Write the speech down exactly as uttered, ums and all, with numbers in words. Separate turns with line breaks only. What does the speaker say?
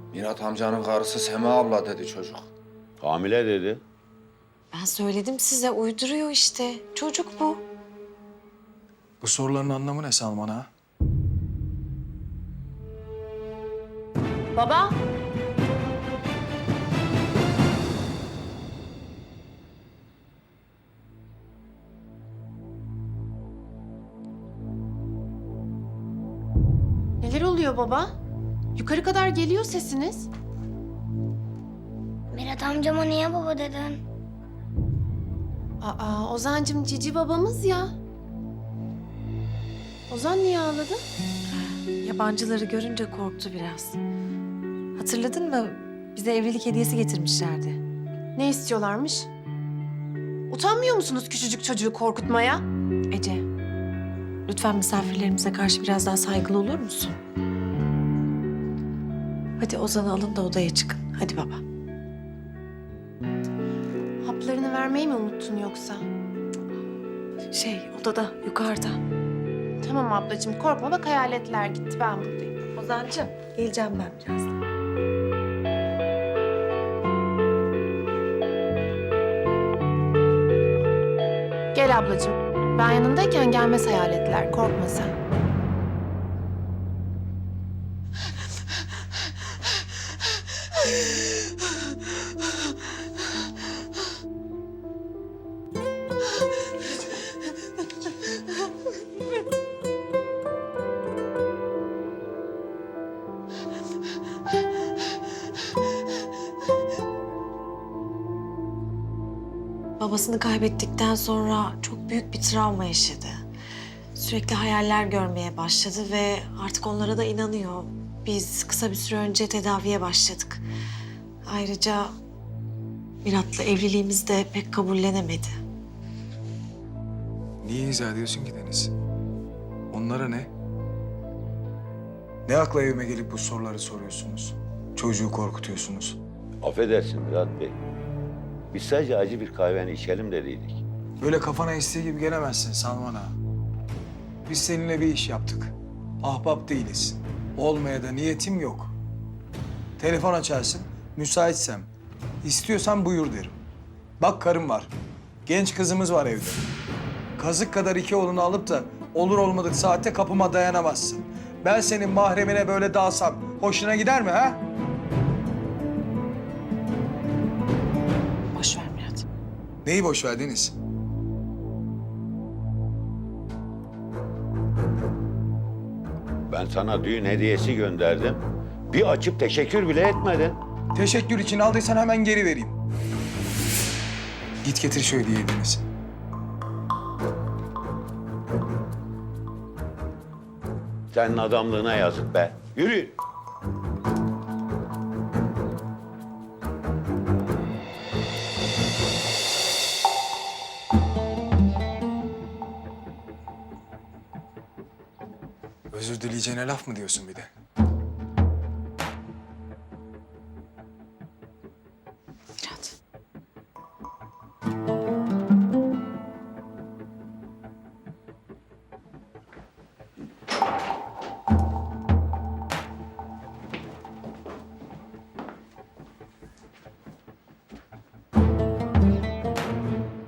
Mirat amcanın karısı Sema abla dedi çocuk.
Hamile dedi.
Ben söyledim size, uyduruyor işte. Çocuk bu.
Bu soruların anlamı ne Salman ha?
Baba. Neler oluyor baba? Yukarı kadar geliyor sesiniz.
Mirat amcama niye baba dedin?
Aa, Ozan'cığım cici babamız ya. Ozan niye ağladı?
Yabancıları görünce korktu biraz. Hatırladın mı? Bize evlilik hediyesi getirmişlerdi.
Ne istiyorlarmış? Utanmıyor musunuz küçücük çocuğu korkutmaya?
Ece, lütfen misafirlerimize karşı biraz daha saygılı olur musun? Hadi Ozan'ı alın da odaya çıkın. Hadi baba.
Haplarını vermeyi mi unuttun yoksa?
Şey, odada, yukarıda.
Tamam ablacığım korkma bak hayaletler gitti ben buradayım.
Ozan'cığım, geleceğim ben birazdan.
Gel ablacığım. Ben yanındayken gelmez hayaletler korkma sen.
Babasını kaybettikten sonra çok büyük bir travma yaşadı. Sürekli hayaller görmeye başladı ve artık onlara da inanıyor. Biz kısa bir süre önce tedaviye başladık. Ayrıca Mirat'la evliliğimizi de pek kabullenemedi.
Niye izah ediyorsun ki Deniz? Onlara ne? Ne akla evime gelip bu soruları soruyorsunuz? Çocuğu korkutuyorsunuz.
Affedersin Mirat Bey. Biz sadece acı bir kahveni içelim dediydik.
Böyle kafana estiği gibi gelemezsin Salman ağa. Biz seninle bir iş yaptık. Ahbap değiliz. Olmaya da niyetim yok. Telefon açarsın, müsaitsem. İstiyorsan buyur derim. Bak karım var. Genç kızımız var evde. Kazık kadar iki oğlunu alıp da olur olmadık saatte kapıma dayanamazsın. Ben senin mahremine böyle dalsam hoşuna gider mi ha?
Boş ver Mirat.
Neyi boş ver Deniz?
Ben sana düğün hediyesi gönderdim. Bir açıp teşekkür bile etmedin.
Teşekkür için aldıysan hemen geri vereyim. Git getir şu hediyeyi Deniz.
Senin adamlığına yazık be. Yürü.
Özür dileyeceğine laf mı diyorsun bir de?